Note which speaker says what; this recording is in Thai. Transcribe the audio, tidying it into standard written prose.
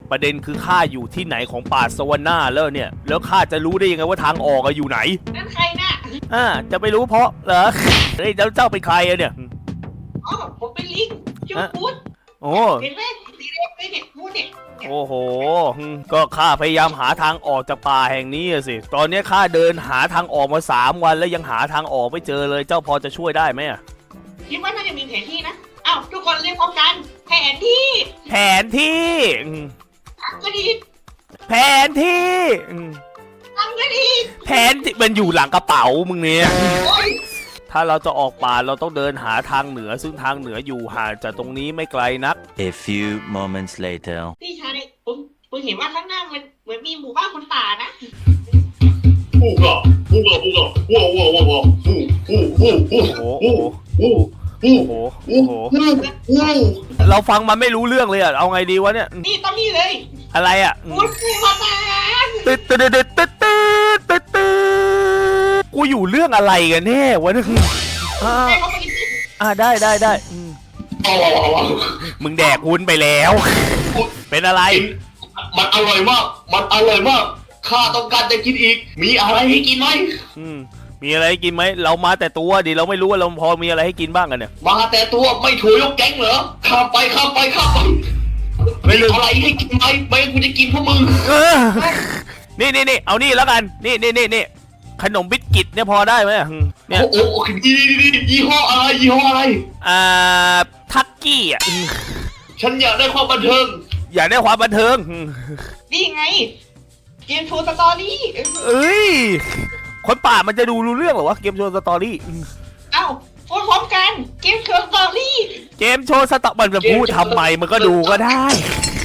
Speaker 1: ประเด็นคือข้าอยู่ที่ไหนของป่าสวรรค์แล้วเนี่ยแล้วข้าจะรู้ได้ยังไงว่าทางออกอยู่ไหน
Speaker 2: นั่นใครน่ะ
Speaker 1: จะไปรู้เพราะเหรอเฮ้ยเจ้าเป็นใครอะเนี่ย
Speaker 2: อ๋อผมเป็นลิงชื่อพูด
Speaker 1: โอ้
Speaker 2: เห็นไหมสีแดงเลยเนี่ยพูดเนี่ย
Speaker 1: โอ้โหก็ข้าพยายามหาทางออกจากป่าแห่งนี้สิตอนนี้ข้าเดินหาทางออกมา3 วันแล้วยังหาทางออกไม่เจอเลยเจ้าพอจะช่วยได้ไหม
Speaker 2: คิดว่าน่าจะมีแผนที่นะอ้าวทุกคนเรียกพร้อมกันแผนที่ก็ดี
Speaker 1: แผนที่
Speaker 2: ทำก็ดี
Speaker 1: แผนที่มันอยู่หลังกระเป๋ามึงเนี่ยถ้าเราจะออกป่าเราต้องเดินหาทางเหนือซึ่งทางเหนืออยู่ห่างจากตรงนี้ไม่ไกลนัก
Speaker 3: A few moments later
Speaker 2: พี่ชายผมเห็นว่าข้างหน้ามันเหมือนมีหมู่บ้านคนป่านะ
Speaker 4: 呼个呼个呼个呼
Speaker 1: เราฟังมันไม่รู้เรื่องเลยเอาไงดีวะเนี่ย
Speaker 2: นี่ต้องนี่เลย
Speaker 1: อะไร
Speaker 2: พูดมา
Speaker 1: ตึ๊ดกูอยู่เรื่องอะไรกันแน่วะเนี่ยได้มึงแดกวุ้นไปแล้วเป็นอะไร
Speaker 4: มันอร่อยมากข้าต้องการจะกินอีกมีอะไรให้กินไหม
Speaker 1: มีอะไรให้กินไหมเรามาแต่ตัวดิเราไม่รู้ว่าเราพอมีอะไรให้กินบ้างกันเนี่ย
Speaker 4: มาแต่ตัวไม่ถูกยกแก๊งเหรอข้ามไปไม่เหลืออะไรให้กินไหมไม่กูจะกินพวกมึง
Speaker 1: นี่เอานี่แล้วกันนี่ขนมบิสกิตเนี่ยพอได้ไหม
Speaker 4: เนี่ยโอ้ยี่ห้ออะไร
Speaker 1: ทักกี้
Speaker 4: ฉันอยากได้ความบันเทิง
Speaker 2: นี่ไงเกมโชว์สตอรี่
Speaker 1: คนป่ามันจะดูรู้เรื่องหรอวะเกมโชว์สตอรี่
Speaker 2: เอ้าพูดพร้อมกันเกมโชว์สตอรี่
Speaker 1: มันจะพูดทำไมมันก็ดูก็ได้